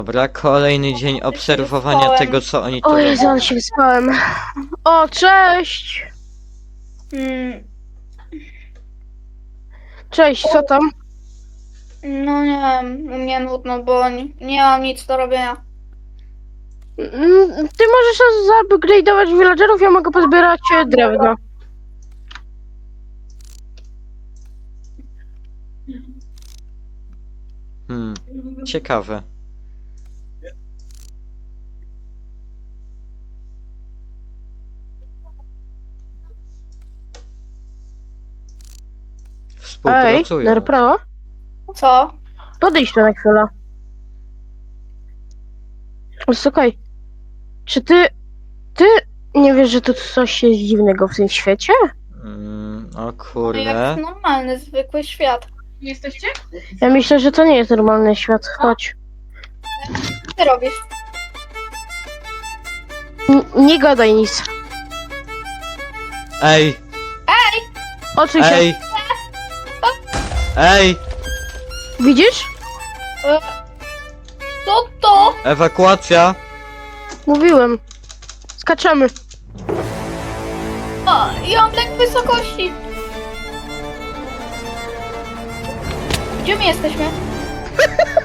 Dobra, kolejny dzień obserwowania tego, co oni tu O Jezu, robią. ale się wyspałem. O, cześć! Cześć, co tam? No nie wiem, mnie nudno, bo nie mam nic do robienia. Ty możesz zupgrade'ować villagerów, ja mogę pozbierać drewno. Ciekawe. Ej, Współpracują. Nerpro, Co? podejdź tu na chwilę. Słuchaj, czy ty nie wiesz, że tu coś jest dziwnego w tym świecie? O No kurde. jak normalny, zwykły świat. Jesteście? Ja myślę, że to nie jest normalny świat. Chodź. Co ty robisz? Nie gadaj nic. Ej! Odsuń się. Ej! Ej! Widzisz? Co to? Ewakuacja! Mówiłem. Skaczemy. O, ja mam lęk wysokości. Gdzie my jesteśmy?